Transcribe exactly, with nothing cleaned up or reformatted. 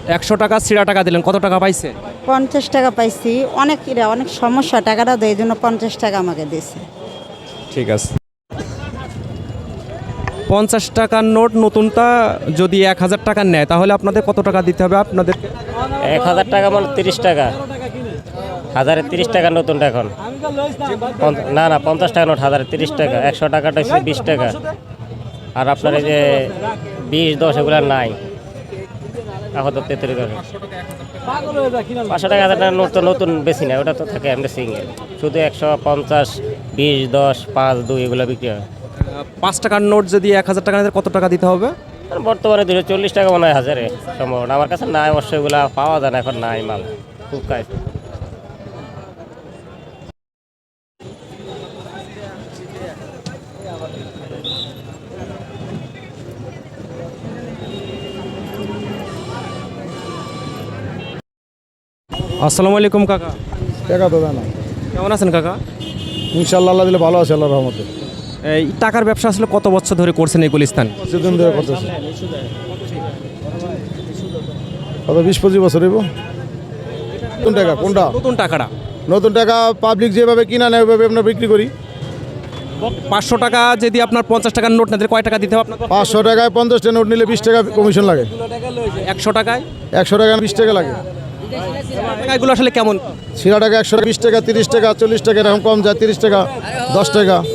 একশো টাকা ছিঁড়া টাকা দিলেন, কত টাকা পাইছে? পঞ্চাশ টাকা পাইছি। অনেক ইরা অনেক সমস্যা, টাকাটা দেয়, এই জন্য পঞ্চাশ টাকা আমাকে দিয়েছে। ঠিক আছে। পঞ্চাশ টাকার নোট নতুনটা যদি এক হাজার টাকা নেয় তাহলে আপনাদের কত টাকা দিতে হবে আপনাদের? এক হাজার টাকা মানে তিরিশ টাকা, হাজারে তিরিশ টাকা নতুনটা এখন। পঞ্চ- না না পঞ্চাশ টাকা নোট হাজারে তিরিশ টাকা, একশো টাকাটা হচ্ছে বিশ টাকা। আর আপনার এই যে বিশ দশ এগুলো নাই, এখন তো তেত্রিশ টাকা। পাঁচশো টাকা হাজার টাকা নোট তো নতুন বেশি না, ওটা তো থাকে এমনি সিঙ্গেল। শুধু একশো পঞ্চাশ বিশ দশ পাঁচ দুই এগুলো বিক্রি হয়। পাঁচ টাকার নোট যদি এক হাজার টাকা নেয় কত টাকা দিতে হবে? আর বর্তমানে দুশো চল্লিশ টাকা মনে হয় হাজারে সম্ভবত। আমার কাছে নাই অবশ্যই, এগুলো পাওয়া যায় না এখন, নাই মাল খুব কাজ। আসসালামু আলাইকুম কাকা, টাকা তো দেয় না। কেমন আছেন কাকা? ইনশাল্লাহ আল্লাহ দিলে ভালো আছে, আল্লাহর রহমতে। এই টাকার ব্যবসা আসলে কত বছর ধরে করছেন এই গুলিস্তান? সেদিন ধরে করতেছে কত বিশ পঁচিশ বছর হইব। নতুন টাকা কোনটা? নতুন টাকাটা নতুন টাকা পাবলিক যেভাবে কিনা নেয় ওইভাবে আমরা বিক্রি করি। পাঁচশো টাকা যদি আপনার পঞ্চাশ টাকার নোট না দিলে কয় টাকা দিতে হবে আপনার? পাঁচশো টাকায় পঞ্চাশটা নোট নিলে বিশ টাকা কমিশন লাগে। একশো টাকায় একশো টাকা বিশ টাকা লাগে। টাকাগুলো আসলে কেমন? ছিঁড়া টাকা একশো বিশ টাকা তিরিশ টাকা চল্লিশ টাকা এরকম কম যায়, তিরিশ টাকা দশ টাকা।